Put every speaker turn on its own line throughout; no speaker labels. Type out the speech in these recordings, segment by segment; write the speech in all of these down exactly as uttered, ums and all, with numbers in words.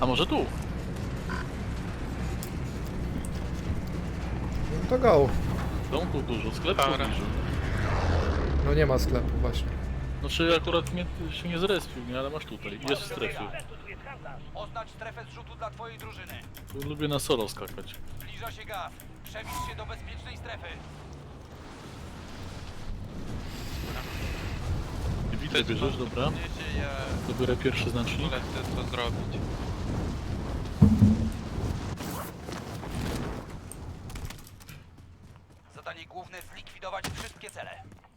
A może tu?
No to go.
Domku dużo, sklepów
Dobra.
dużo.
No nie ma sklepu właśnie.
Znaczy akurat mnie się nie zrespił, nie? Ale masz tutaj. Jest w strefie.
Oznacz strefę zrzutu dla twojej drużyny.
Tu lubię na solo skakać.
Zbliża się gaz. Przewieź się do bezpiecznej strefy.
Widzę, bierzesz, dobra.
Wiecie, ja
Dobiorę pierwszy znacznik.
polecę co zrobić.
Zadanie główne zlikwidować wszystkie cele.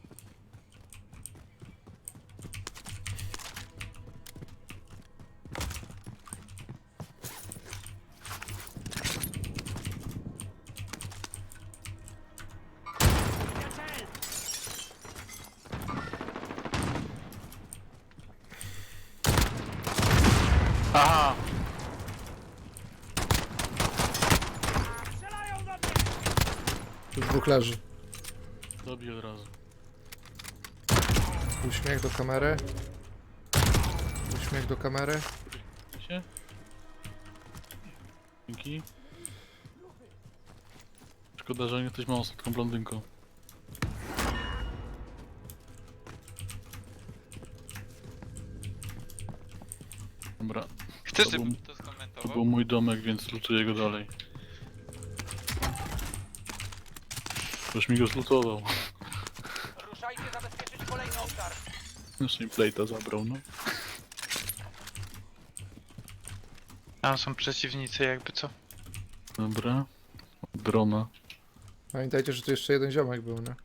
Aha!
Tu dwóch leży.
Dobiję od razu.
Uśmiech do kamery. Uśmiech do kamery.
Się? Dzięki. Szkoda, że nie jesteś małą słodką blondynką. Dobra,
Chcesz,
To
żebym
był-
to
to
skomentował?
był mój domek, więc lutuję go dalej. Już mi go zlutował.
Ruszajcie zabezpieczyć kolejny obszar.
Już mi plate'a zabrał, no.
Tam są przeciwnicy jakby co?
Dobra. Drona.
Pamiętajcie, że tu jeszcze jeden ziomek był, nie?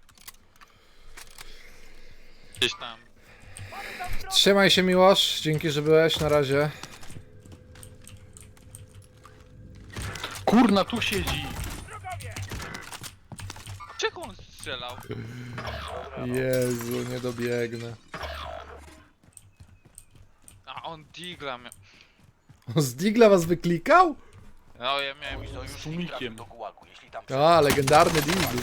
Gdzieś tam.
Trzymaj się, Miłosz. Dzięki, że byłeś. Na razie.
Kurna, tu siedzi!
Czego on strzelał?
Jezu, nie dobiegnę.
A on digla miał.
O, z Digla was wyklikał?
No ja miałem...
Mój sojusznik
tłumikiem.
trafił do gułagu, jeśli tam
A, legendarny Digl.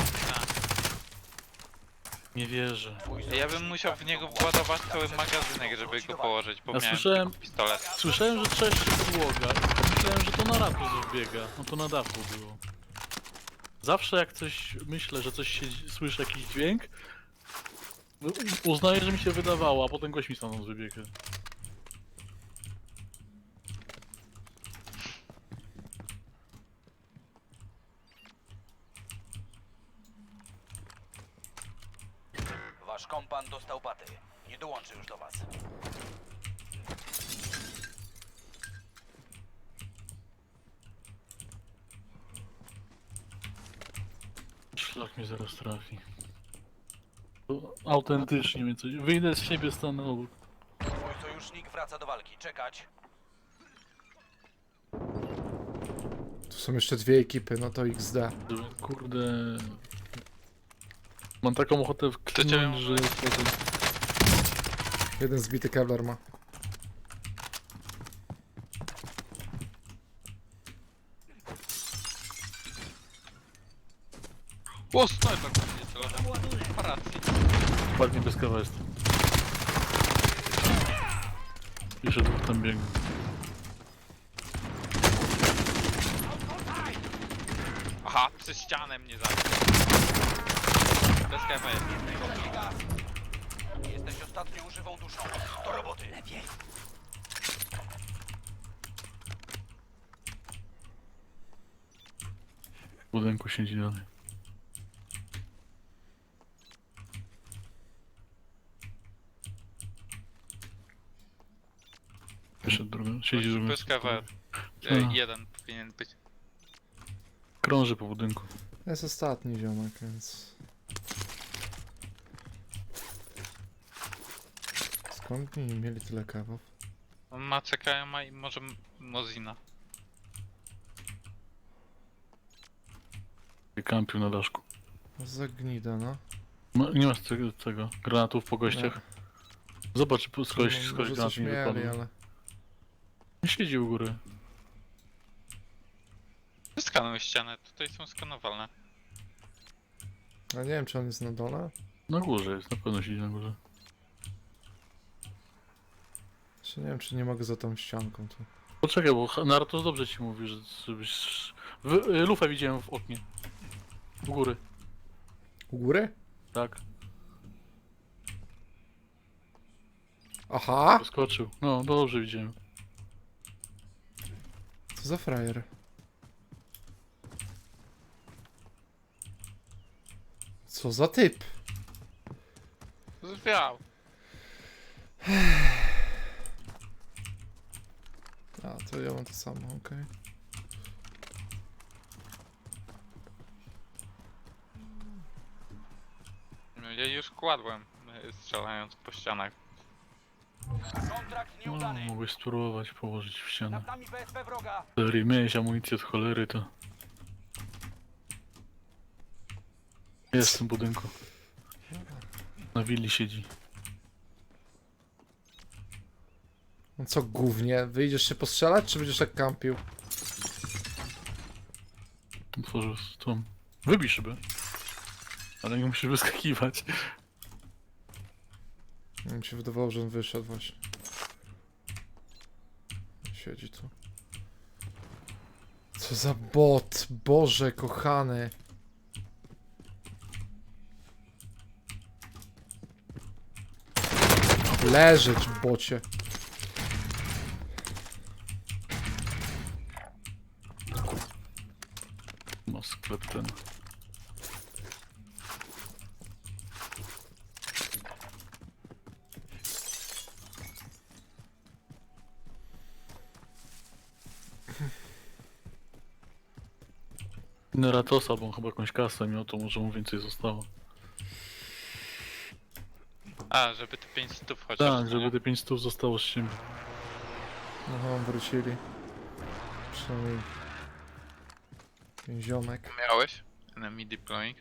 Nie wierzę.
twój
Ja
sojusznik
bym musiał w
trafił
niego
do gułagu.
władować cały
Tam
magazynek, żeby go położyć, bo
Ja
miałem
słyszałem-
tylko pistolet.
Słyszałem, że trzeszczy podłoga i myślałem, że to na dachu coś biega. No to na dachu było. Zawsze jak coś myślę, że coś się słyszę jakiś dźwięk, u- uznaję, że mi się wydawało, a potem gość mi stamtąd wybiega.
Wasz kompan dostał baty. Nie dołączy już do was.
Szlak mnie zaraz trafi. To autentycznie mnie coś... Wyjdę z siebie, stanę obok.
Twój sojusznik wraca do walki. Czekać.
Tu są jeszcze dwie ekipy, no to X D.
Kurde... Mam taką ochotę
cię
wklinąć, że...
Jeden zbity Kevlar ma.
O, snajper tam nie celował. Racji.
Ładnie bez kawa jest. Jeszcze dwóch tam biegnie.
Aha, przez ścianę mnie zabił. Bez kewa jest.
Gaz. Jesteś ostatnią żywą duszą. Do roboty. Lepiej.
W budynku siedzi dalej. Jeszcze drugi, siedzi drugi.
Bez kewa. E,
A.
Jeden powinien być.
Krąży po budynku.
Jest ostatni ziomek, więc... Skąd nie mieli tyle kawów?
On ma C K M A i może M- Mozina.
Kampił na daszku.
Zagnida, no.
Ma, nie masz tego, tego granatów po gościach? Zobacz, po- skądś,
No,
skądś
może
granat
coś
mi
mieli,
wypadł.
ale...
Nie siedzi u góry.
Skanuj ścianę, tutaj są skanowalne.
A nie wiem, czy on jest na dole?
Na górze jest, na pewno siedzi na górze.
Czy nie wiem, czy nie mogę za tą ścianką tu.
Poczekaj, bo Naruto dobrze ci mówi, że żebyś... W, y, lufę widziałem w oknie. U góry,
U góry?
tak.
Aha!
Poskoczył. No, dobrze widziałem.
Co za frajer? Co za typ?
Zwiał.
A, to ja mam to samo, okej.
No, ja już kładłem, y, strzelając po ścianach.
Kontrakt
No,
nieudany.
mogłeś spróbować położyć w ścianę.
Nad nami B S P wroga.
Jeżeli miałeś amunicję od cholery, to... Jest w tym budynku. Na willi siedzi.
No co głównie? Wyjdziesz się postrzelać, czy będziesz tak kampił?
Otworzył tą... Wybij szybę. Ale nie musisz wyskakiwać.
Mi się wydawało, że on wyszedł właśnie. Siedzi tu. Co za bot, Boże kochany. Leżeć, bocie.
No sklep ten. Neratosa, bo on chyba jakąś kasę miał, to może mu więcej zostało.
A, żeby te pięć stów chociaż.
Tak,
nie?
żeby te pięć stów zostało z siebie.
Aha, wrócili. Przynajmniej... ten ziomek.
Miałeś? Enemy deploying.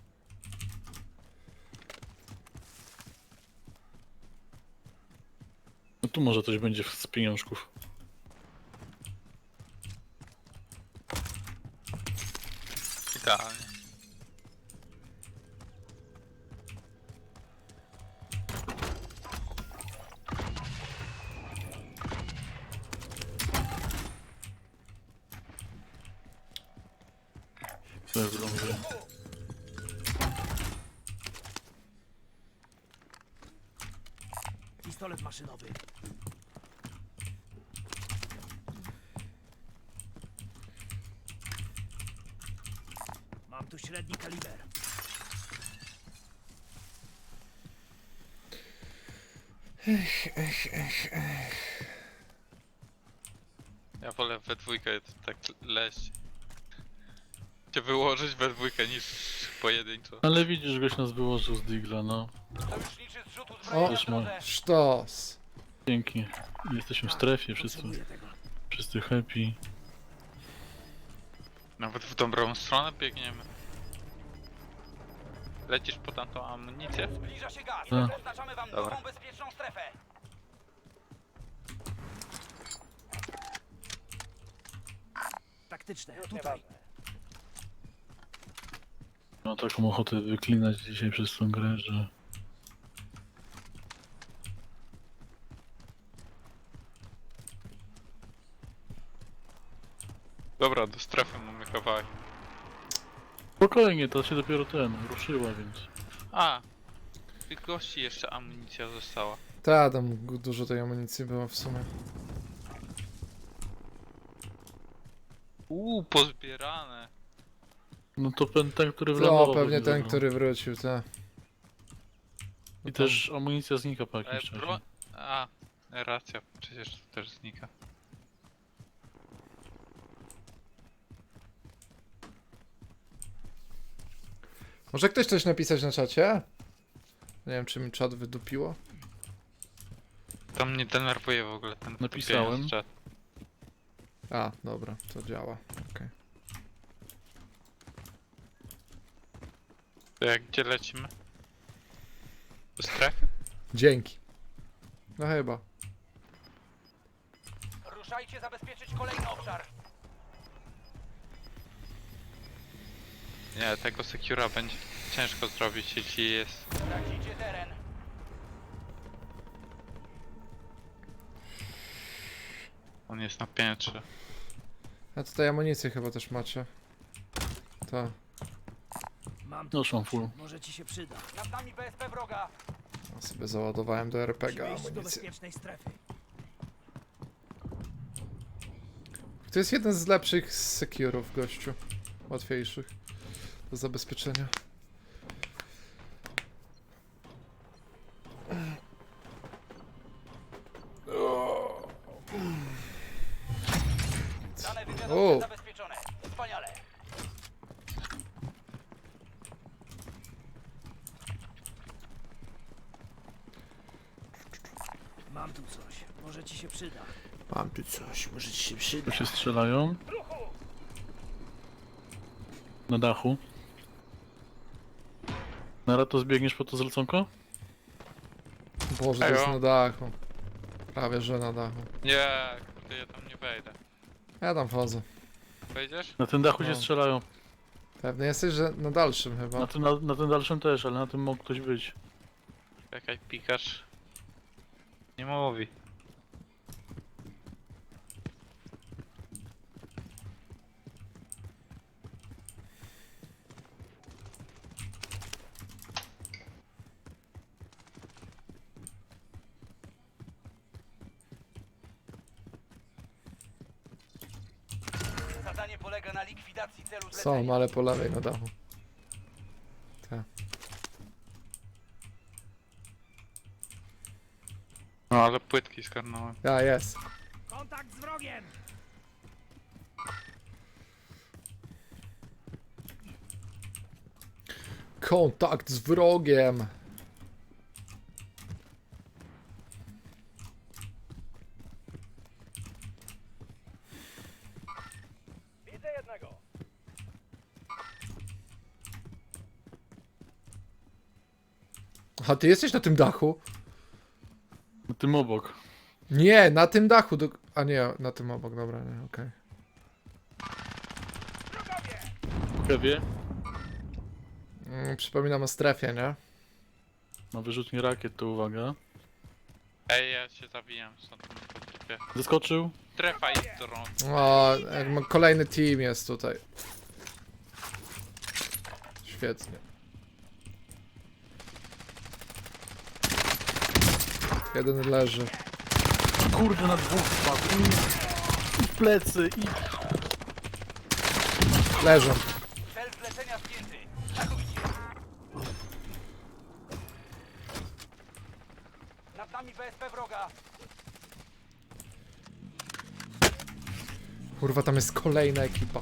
No tu może coś będzie z pieniążków.
Idealnie.
To jest dobrze.
Pistolet maszynowy. Mam tu średni kaliber.
Ja wolę we dwójkę tak leść. Cię wyłożyć we dwójkę niż pojedynczo.
Ale widzisz, goś nas wyłożył z Digla, no.
Sojuszniczy zrzut
O,
uzbrojenia w
też ma.
drodze.
Sztos.
Dzięki. Jesteśmy w strefie, wszyscy,
Potrzebuję tego.
wszyscy happy.
Nawet w dobrą stronę biegniemy. Lecisz po tamtą amunicję?
Zbliża się gaz.
Tak.
Oznaczamy wam
Dobra.
nową bezpieczną strefę. Taktyczne, tutaj.
Mam taką ochotę wyklinać dzisiaj przez tą grę, że...
Dobra, do strefy mamy kawałek.
Spokojnie, to się dopiero ten, ruszyła, więc...
A! Tych gości jeszcze amunicja została.
Ta, tam gu- dużo tej amunicji było w sumie.
Uuu, pozbierane.
No to ten, ten który
No,
wlądował.
pewnie
pewnie
ten,
zabrał.
który wrócił, ta.
I też amunicja znika po
E,
jakimś czasie.
bro... A, racja, przecież to też znika.
Może ktoś coś napisać na czacie? Nie wiem, czy mi czat wydupiło.
To mnie denerwuje w ogóle ten
Napisałem.
kupienie z czat.
A, dobra, to działa. Okej.
To jak gdzie lecimy? Do strefy?
Dzięki. No chyba.
Ruszajcie zabezpieczyć kolejny obszar.
Nie, tego secura będzie ciężko zrobić, jeśli jest...
Tracicie teren.
On jest na piętrze.
A tutaj amunicję chyba też macie. To.
Mam tu
Już mam full.
może ci się przyda.
Nad nami B S P wroga.
Ja sobie załadowałem do er pe gie
Musimy iść do
amunicję.
bezpiecznej strefy.
To jest jeden z lepszych securów, gościu. Łatwiejszych do zabezpieczenia.
Dane
O.
wywiadowcze zabezpieczone. Wspaniale.
Mam tu coś, może ci się przyda.
Mam tu coś, może ci się
Tu
przyda.
się strzelają. Na dachu. Nara, to zbiegniesz po to zleconko?
Boże, to jest
Ejo.
na dachu. Prawie, że na dachu.
Nie, kurde, ja tam nie wejdę.
Ja tam wchodzę.
Wejdziesz?
Na tym dachu
No.
się strzelają.
Pewnie jesteś, że na dalszym chyba.
Na tym, na, na tym dalszym też, ale na tym mógł ktoś być.
Czekaj, pikasz. Nie mówi.
Zadanie polega na likwidacji celu zlecenia.
Są, ale po lewej na dachu. Tak.
No ale płytki skarnąłem.
Ja, jest.
Kontakt z wrogiem!
Kontakt z wrogiem.
Widzę jednego.
A ty jesteś na tym dachu?
Na tym obok.
Nie, na tym dachu. Do... A nie, na tym obok, dobra, nie, okej.
W kewie.
Mm, przypominam o strefie, nie?
Ma wyrzutnie rakiet, to uwaga.
Ej, ja się zabijam stąd na potrzebie.
Zeskoczył.
Strefa jest drąg.
O, jak ma- kolejny team jest tutaj. Świetnie. Jeden leży.
Kurde, na dwóch spadł. I w plecy, i...
Leżą.
Cel zlecenia zdjęty. Atakujcie. Nad nami B S P wroga.
Kurwa, tam jest kolejna ekipa.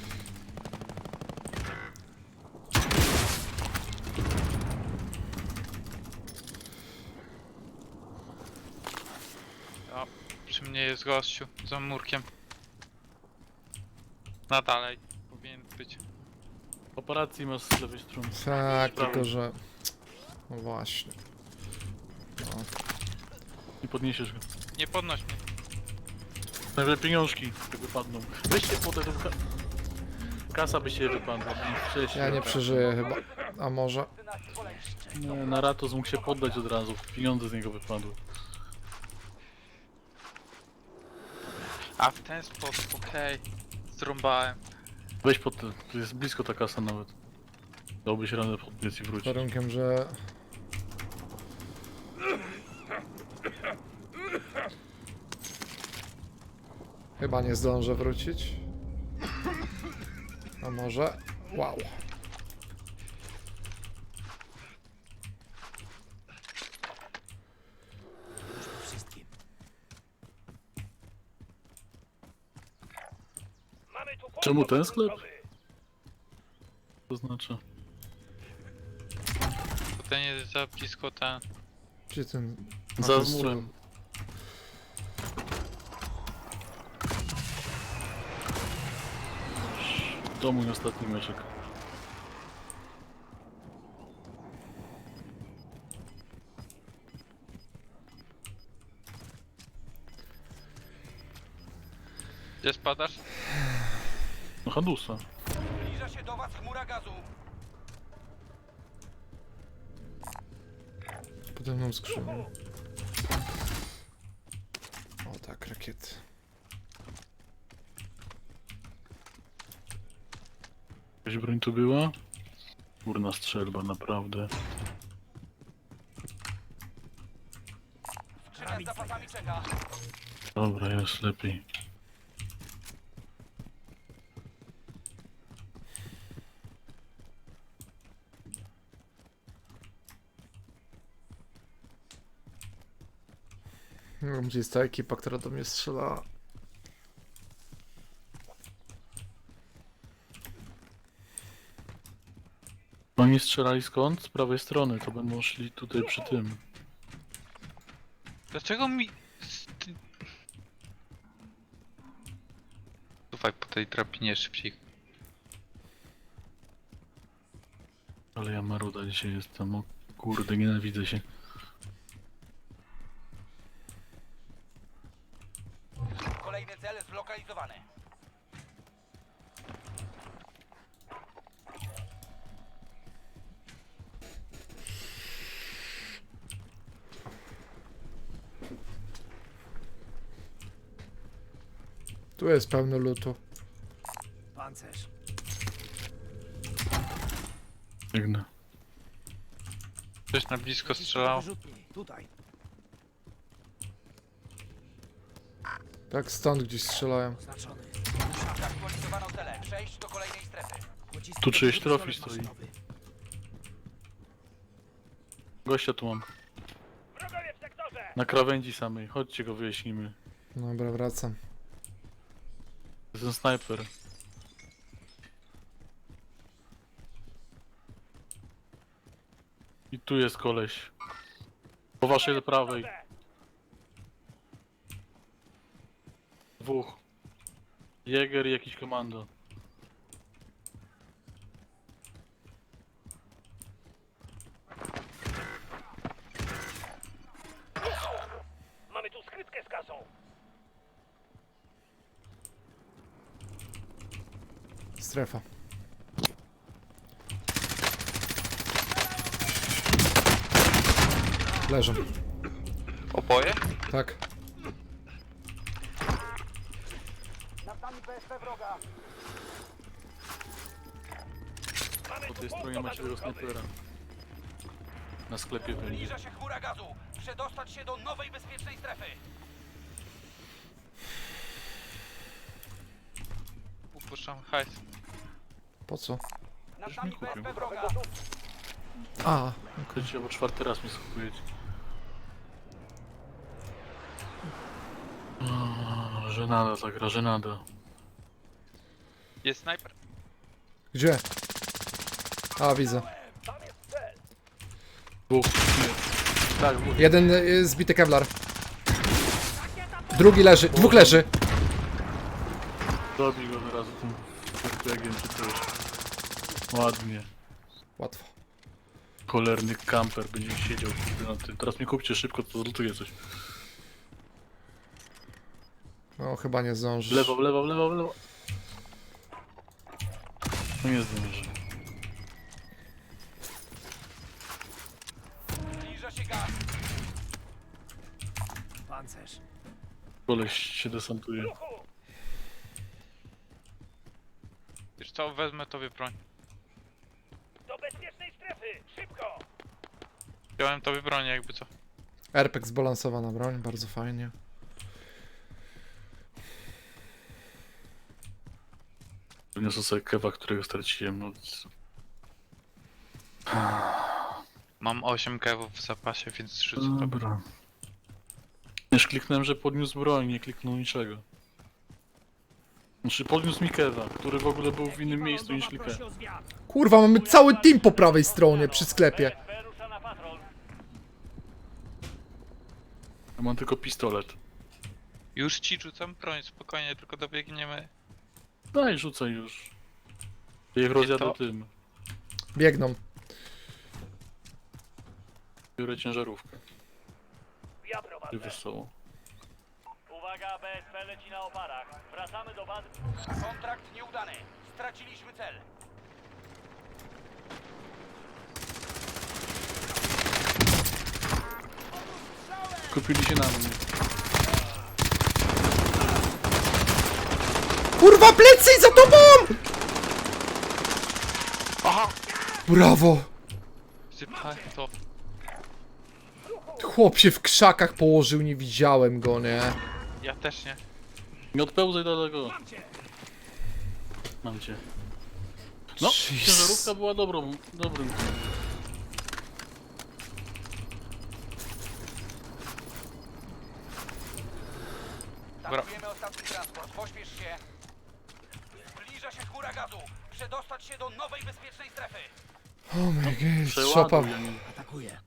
O, przy mnie jest gościu, za murkiem. Na dalej powinien być.
Operacji masz z lewej strony.
Tak, tylko że... No właśnie. No.
Nie podniesiesz go.
Nie podnoś mnie.
Najwyżej pieniążki wypadną. Weźcie po te... Ka kasa by się wypadła. Wcześniej.
Ja nie przeżyję chyba. A może?
Nie, na Ratos mógł się poddać od razu. Pieniądze z niego wypadły.
A w ten sposób, okej. Zrąbałem.
Weź pod te. Tu jest blisko ta kasa nawet. Dałbyś radę podbiec i
Z
wrócić.
warunkiem, że... Chyba nie zdążę wrócić. A może? Wow.
Już po wszystkim.
Czemu ten sklep? To znaczy.
To ten jest za blisko ten.
Gdzie ten... A,
Za
to jest
murem. To mój ostatni meczek.
Gdzie spadasz?
No Hadusa.
Zbliża się do was chmura gazu.
Pode mną skrzynię. O tak, rakiety.
Jakaś broń tu była? Kurna strzelba, naprawdę.
Skrzynia z zapasami czeka.
Dobra, jest lepiej.
Nie wiem, gdzie jest ta ekipa, która do mnie strzelała.
Oni strzelali skąd? Z prawej strony, to będą szli tutaj przy tym.
Dlaczego mi... Ty... Słuchaj, po tej drabinie szybciej.
Ale ja maruda dzisiaj jestem, o kurde, nienawidzę się.
Kolejny cel zlokalizowany.
Tu jest pełno lutu.
Pancerz.
Biegnę.
Ktoś na blisko
Nacisk
strzelał.
wyrzutni. Tutaj.
Tak stąd gdzieś strzelają.
Oznaczony.
Zaktualizowano cele. Przejść do kolejnej strefy.
Pocisk
Tu czyjeś
pistolet
trofi stoi.
maszynowy.
Gościa tu mam.
Wrogowie w sektorze!
Na krawędzi samej, chodźcie go wyjaśnimy.
Dobra, wracam.
To jest ten snajper. I tu jest koleś. Po waszej prawej. Dwóch. Jäger i jakiś komando.
Mamy tu skrytkę z kasą.
Strefa. Leżą.
Oboje?
Tak.
Nad nami P S P wroga.
Po tej stronie macie tego snajpera. Na sklepie będzie.
Zbliża się chmura gazu. Przedostać się do nowej bezpiecznej strefy.
Upuszczam hajs.
Po co?
Nad
Już
nami
mi
P S P
kupił.
wroga.
A,
Chodźcie, bo czwarty raz mi skupujecie. O, żenada ta gra, żenada.
Jest snajper?
gdzie? A, widzę.
Dwóch. Nie. Tak, dwóch.
Jeden y, zbity kevlar. Drugi leży, dwóch leży.
Dobij go od razu tym biegiem czy coś. Ładnie.
Łatwo.
Cholerny kamper będzie siedział kurde, na tym. Teraz mi kupcie szybko, to zlutuję coś.
No, chyba nie
W
zdążysz.
lewo, w lewo, w lewo, w lewo. No nie zdążę.
Zbliża się gaz.
Pancerz.
Koleś się desantuje.
Wiesz co, wezmę tobie broń.
Do bezpiecznej strefy! Szybko!
Wziąłem tobie broń, jakby co.
R P G zbalansowana broń, bardzo fajnie.
Wyniosę sobie kewa, którego straciłem. No.
Mam osiem kewów w zapasie, więc rzucę tobie.
Dobra. Już kliknąłem, że podniósł broń, nie kliknął niczego. Znaczy podniósł mi kewa, który w ogóle był w innym miejscu niż
Prosi
klikałem.
o zwiat.
Kurwa, mamy cały team po prawej stronie, przy sklepie.
Rusza na patrol.
Ja mam tylko pistolet.
Już ci rzucam broń, spokojnie, tylko dobiegniemy.
Daj, rzucaj już. Ja ich rozjadę
to-
tym.
Biegną.
Biorę ciężarówkę.
Ja
I
prowadzę.
wesoło.
Uwaga, B S P leci na oparach. Wracamy do bazy.
Kontrakt nieudany. Straciliśmy cel.
Kupili się na mnie.
Kurwa, plecy za tobą!
Aha!
Brawo!
Sypaj to.
Chłop się w krzakach położył, nie widziałem go, nie?
Ja też nie.
Nie odpełzaj daleko. Mam cię. No,
Jeez.
ciężarówka była dobrą, dobrym.
Tankujemy ostatni transport. Pośpiesz się. Zbliża się chmura gazu. Przedostać się do nowej bezpiecznej strefy.
Oh my god, szopa.
Przeładuj mi.
Atakuję.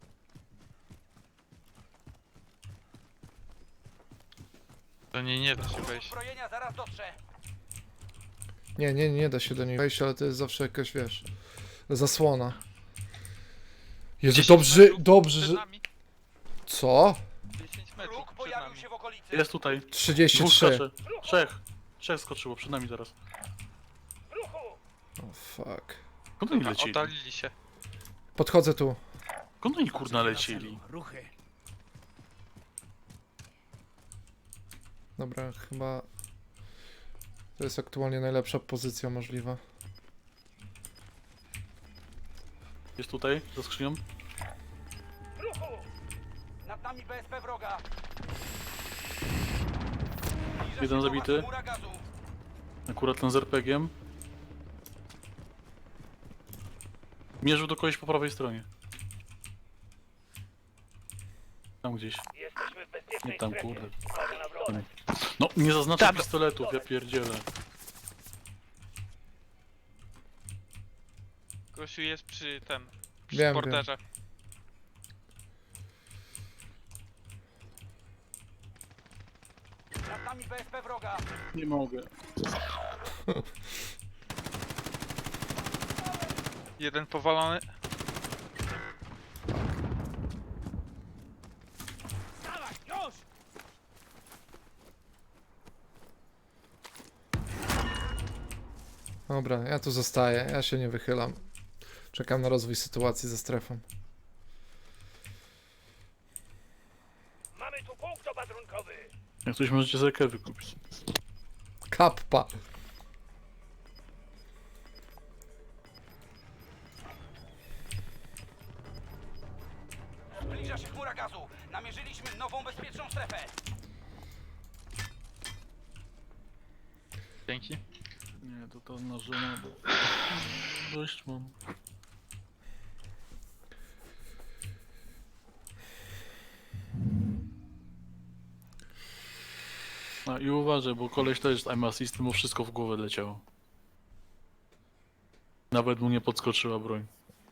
To nie, nie da się wejść.
Uzbrojenia zaraz dotrze.
Nie, nie, nie da się do niej wejść, ale to jest zawsze jakaś, wiesz, zasłona. Jezu,
dziesięć
dobrze,
metrów
dobrze,
Przed
że...
nami.
Co?
dziesięć metrów
Wróg
przed
pojawił
nami.
się w okolicy.
Jest tutaj.
trzydzieści
Dwóch
trzy.
skacze. Trzech. Trzech skoczyło przed nami teraz.
O fuck.
Skąd oni
Dobra,
lecieli?
oddalili się.
Podchodzę tu.
Skąd oni kurna lecieli?
Ruchy.
Dobra, chyba... To jest aktualnie najlepsza pozycja możliwa.
Jest tutaj, za skrzynią.
Nad nami B S P wroga. Zbliża
Jeden
się do was
zabity.
chmura gazu.
Akurat ten z er pe gie em. Mierzył do kogoś po prawej stronie. Tam gdzieś.
Jesteśmy w bezpiecznej
Nie tam,
strefie.
kurde.
Uwaga na wroga.
No, nie zaznaczam
Tam.
pistoletów, ja pierdzielę.
Gościu jest przy tym. Przy
Wiem,
borderze.
Nad nami B S P wroga.
Nie mogę.
Jeden powalony.
Dawaj, już!
Dobra, ja tu zostaję, ja się nie wychylam. Czekam na rozwój sytuacji ze strefą.
Mamy tu punkt opatrunkowy.
Jak coś możecie zerkę wykupić.
Kappa!
Zbliża się chmura gazu. Namierzyliśmy nową bezpieczną strefę.
Dzięki.
Nie, to ta narzędzia, bo... Dość mam. A i uważaj, bo koleś też z aim assistem mu wszystko w głowę leciało. Nawet mu nie podskoczyła broń.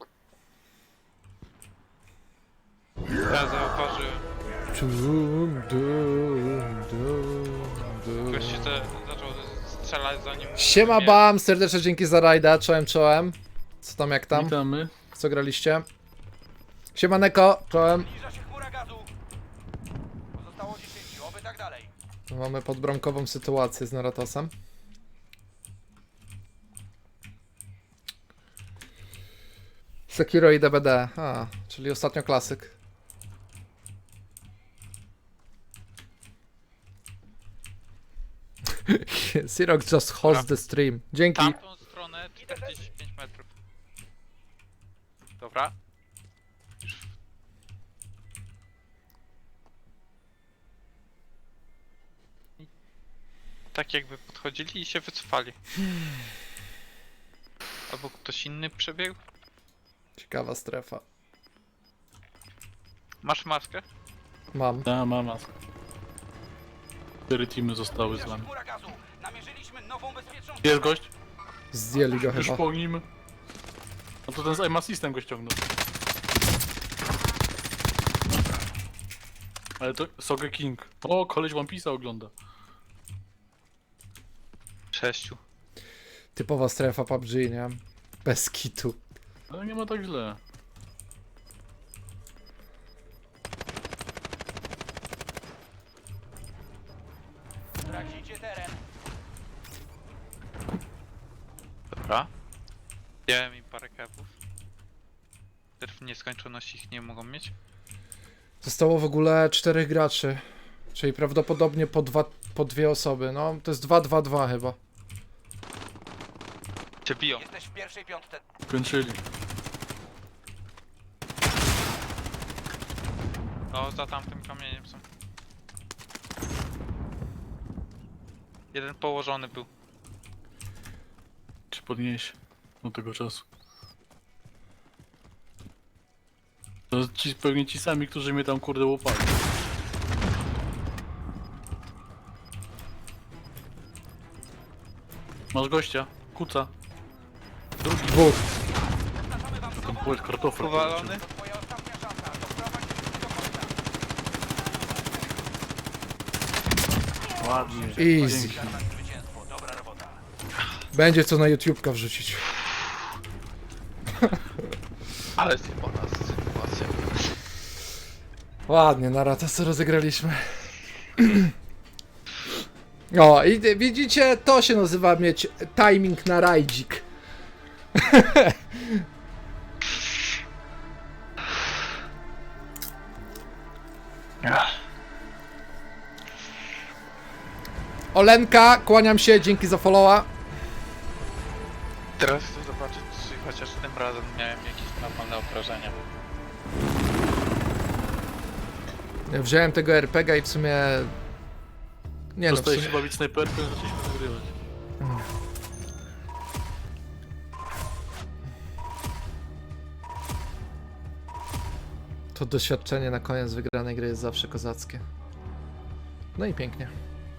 Ja zauważyłem.
Dum, dum, dum, dum.
Gościu te, zaczął strzelać zanim...
Siema
mnie-
Bam, serdecznie dzięki za rajda, czołem czołem. Co tam, jak tam?
Witamy.
Co graliście? Siema Neko, czołem.
Zbliża się chmura gazu. Pozostało dziesięciu, oby tak dalej.
Mamy podbramkową sytuację z Naratosem. Sekiro i D B D, a, czyli ostatnio klasyk. Sirok just host the stream. Dzięki.
Tamtą stronę czterdzieści pięć metrów. Dobra. Już. I tak jakby podchodzili i się wycofali. Albo ktoś inny przebiegł.
Ciekawa strefa.
Masz maskę?
Mam.
Ta mama. Cztery teamy zostały z
Zbliża się
nami.
chmura gazu. Namierzyliśmy nową bezpieczną
Jest
strefę.
gość?
Zdjęli go
Już
chyba.
po nim. No to ten z aim assistem go ściągnął. Ale to Soge King. O, koleś One Piece'a ogląda.
Sześciu.
Typowa strefa P U B G, nie? Bez kitu.
Ale nie ma tak źle.
Tracicie teren.
Dobra. Dałem im parę kebów. W nieskończoności ich nie mogą mieć.
Zostało w ogóle czterech graczy. Czyli prawdopodobnie po, dwa, po dwie osoby. No, to jest dwa dwa dwa chyba.
Cię biją.
Jesteś w pierwszej piątce.
Kończyli.
O, za tamtym kamieniem są. Jeden położony był.
Czy podnieś do tego czasu. To ci, pewnie ci sami, którzy mnie tam kurde łopali. Masz gościa, kuca. Drugi
Dwóch.
Zapraszamy wam do
tam
domu.
płeć kartofel.
Powalony.
To twoja ostatnia szansa. Doprowadź mnie do końca.
Ładnie.
Easy.
Pięknie.
Na zwycięstwo. Dobra robota.
Będzie co na YouTubeka wrzucić.
Ale się po nas sytuacja.
Ładnie, na ratasa rozegraliśmy. O, i ty- widzicie, to się nazywa mieć timing na rajdzik. Olenka, kłaniam się, dzięki za followa.
Teraz chcę zobaczyć, czy chociaż tym razem miałem jakieś normalne obrażenia.
Ja wziąłem tego er pe gie i w sumie... Nie no, w
Dostałeś
sumie...
się bawić snajperką i zaczęliśmy nagrywać.
To doświadczenie na koniec wygranej gry jest zawsze kozackie. No i pięknie.